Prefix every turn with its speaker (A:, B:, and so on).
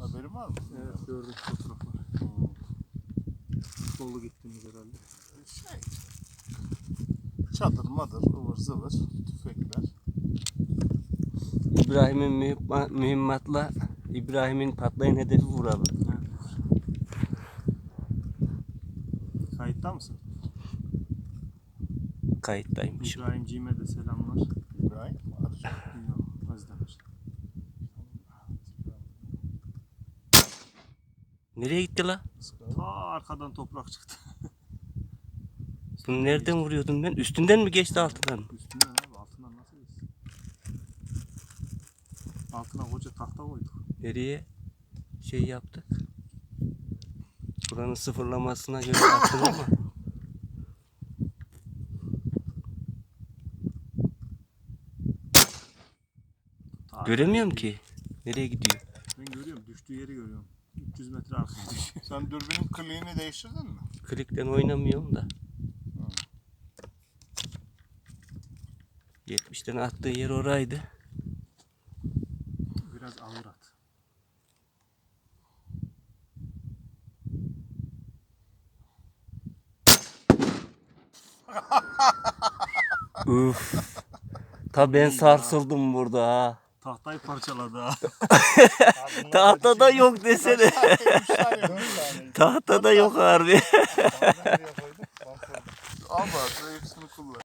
A: Haberin var mı?
B: Evet, gördüm fotoğrafları. Dolu gittiğimiz herhalde.
A: Çadır madır, ıvır zıvır, tüfekler.
C: İbrahim'in mühimmatla İbrahim'in patlayan hedefi vuralım.
B: Kayıtta mısın?
C: Kayıttaymış.
B: İbrahimciğime de selamlar.
A: İbrahim Arıcı.
B: Yok, Özdemir.
C: Nereye gitti la?
B: Ta arkadan toprak çıktı.
C: Bunu nereden vuruyordum ben? Üstünden mi geçti altından mı?
B: Üstünden abi, altından nasıl geçsin? Altına koca tahta koyduk.
C: Nereye şey yaptık? Buranın sıfırlamasına göre attım ama.
B: Ta
C: Göremiyorum ki. Nereye gidiyor?
B: Ben görüyorum, düştüğü yeri görüyorum. 300 metre arkaya düşüyor.
A: Sen dürbünün kliğini değiştirdin mi?
C: Klikten oynamıyorum da. 70'ten attığı yer oraydı.
B: Biraz ağır at.
C: Üf. Ta ben sarsıldım burada ha.
B: Tahtayı parçaladı ha.
C: Tahtada yok desene.
A: 3 tane 4 tane.
C: Tahtada yok harbi.
A: Ama hepsini kullan.